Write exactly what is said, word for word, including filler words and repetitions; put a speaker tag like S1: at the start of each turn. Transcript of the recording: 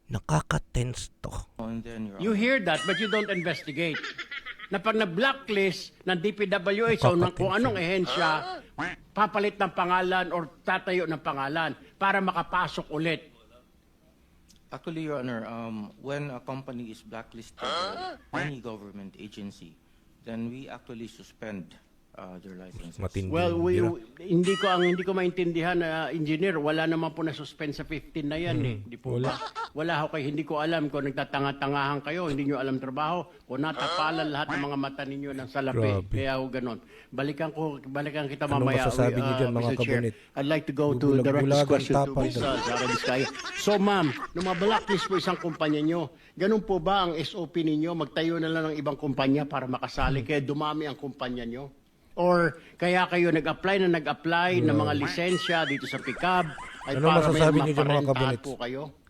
S1: Nakaka-tense to.
S2: And then, Your
S3: You
S2: Honor,
S3: hear that but you don't investigate. Na pag na-blacklist ng D P W H o ng kung anong ehensya, papalit ng pangalan or tatayo ng pangalan para makapasok ulit.
S2: actually, Your Honor, um, when a company is blacklisted by any government agency, then we actually suspend uh, their licenses.
S1: Matindi.
S3: Well, we,
S1: bira.
S3: hindi ko ang hindi ko maintindihan na engineer, wala naman po na suspend sa fifteen na yan eh. Di po
S1: Wala.
S3: ba? Wala ho kayo, hindi ko alam kung nagtatanga-tangahan kayo, hindi nyo alam trabaho, o natapalan lahat ng mga mata ninyo ng salapi.
S1: Grabe.
S3: Kaya ho ganon. Balikan ko, balikan kita
S1: Anong
S3: mamaya.
S1: masasabi
S3: uh,
S1: niyo dyan, mga
S3: Mister Chair.
S1: kabunit?
S3: I'd like to go to direct this
S1: Bubulag-bulagan,
S3: question to
S1: tapang
S3: Miz uh, Sara Vizcaya. So ma'am, nung mablacklist po isang kumpanya nyo, ganun po ba ang S O P ninyo? Magtayo na lang ng ibang kumpanya para makasali, kaya dumami ang kumpanya nyo? Or kaya kayo nag-apply na nag-apply ng mga lisensya dito sa P I C A B ay
S1: Ano
S3: para may
S1: masasabi niyo dyan, mga
S3: maparentahan
S1: kabunits?
S3: po kayo?